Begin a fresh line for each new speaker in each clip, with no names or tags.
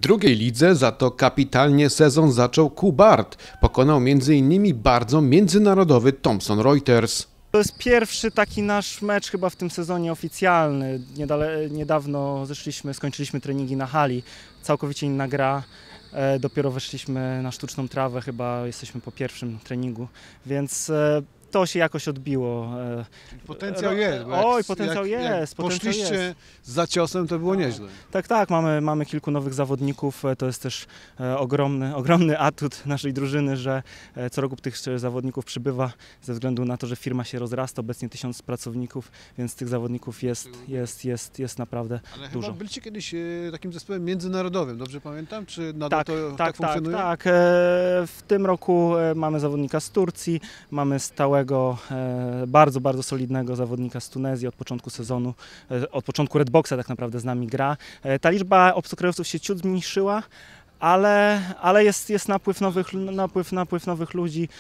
drugiej lidze za to kapitalnie sezon zaczął Kubart. Pokonał m.in. bardzo międzynarodowy Thomson Reuters.
To jest pierwszy taki nasz mecz chyba w tym sezonie oficjalny. Niedawno skończyliśmy treningi na hali, całkowicie inna gra. Dopiero weszliśmy na sztuczną trawę, chyba jesteśmy po pierwszym treningu, więc to się jakoś odbiło.
Potencjał jest.
Oj, potencjał jest.
Poszliście za ciosem, to było nieźle.
Tak, mamy kilku nowych zawodników. To jest też ogromny atut naszej drużyny, że co roku tych zawodników przybywa ze względu na to, że firma się rozrasta, obecnie 1000 pracowników, więc tych zawodników jest naprawdę
Ale
dużo.
chyba byliście kiedyś takim zespołem międzynarodowym, dobrze pamiętam? Czy nadal tak funkcjonuje?
Tak. W tym roku mamy zawodnika z Turcji, mamy stałego, bardzo solidnego zawodnika z Tunezji od początku sezonu, od początku Redboxa tak naprawdę z nami gra. Ta liczba obcokrajowców się ciut zmniejszyła, ale jest napływ nowych ludzi.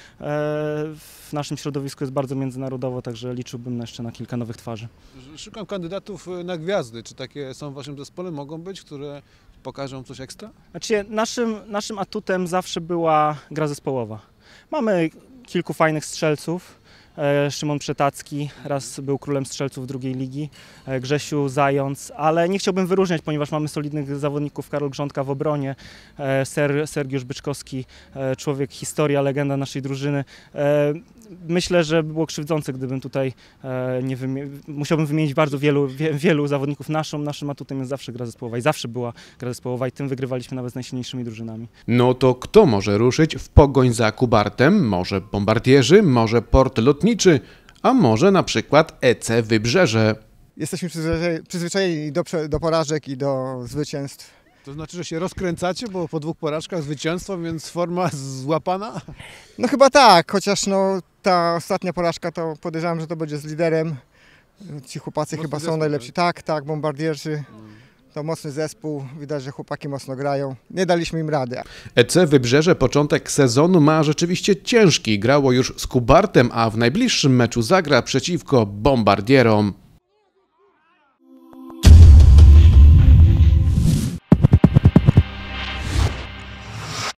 W naszym środowisku jest bardzo międzynarodowo, także liczyłbym jeszcze na kilka nowych twarzy.
Szukam kandydatów na gwiazdy. Czy takie są w waszym zespole? Mogą być, które pokażą coś ekstra?
Znaczy, naszym atutem zawsze była gra zespołowa. Mamy kilku fajnych strzelców. Szymon Przetacki raz był królem strzelców drugiej ligi, Grzesiu Zając, ale nie chciałbym wyróżniać, ponieważ mamy solidnych zawodników, Karol Grządka w obronie, Sergiusz Byczkowski, człowiek, historia, legenda naszej drużyny. Myślę, że było krzywdzące, gdybym tutaj musiałbym wymienić bardzo wielu zawodników. Naszym atutem jest zawsze gra zespołowa i zawsze była gra zespołowa i tym wygrywaliśmy nawet z najsilniejszymi drużynami.
No to kto może ruszyć w pogoń za Kubartem? Może Bombardierzy, może Port Lotniczy, a może na przykład EC Wybrzeże.
Jesteśmy przyzwyczajeni do porażek i do zwycięstw.
To znaczy, że się rozkręcacie, bo po 2 porażkach zwycięstwo, więc forma złapana?
No chyba tak, chociaż ta ostatnia porażka to podejrzewam, że to będzie z liderem. Ci chłopacy chyba są najlepsi. Tak, Bombardierzy. To mocny zespół, widać, że chłopaki mocno grają. Nie daliśmy im rady.
EC Wybrzeże początek sezonu ma rzeczywiście ciężki. Grało już z Kubartem, a w najbliższym meczu zagra przeciwko Bombardierom.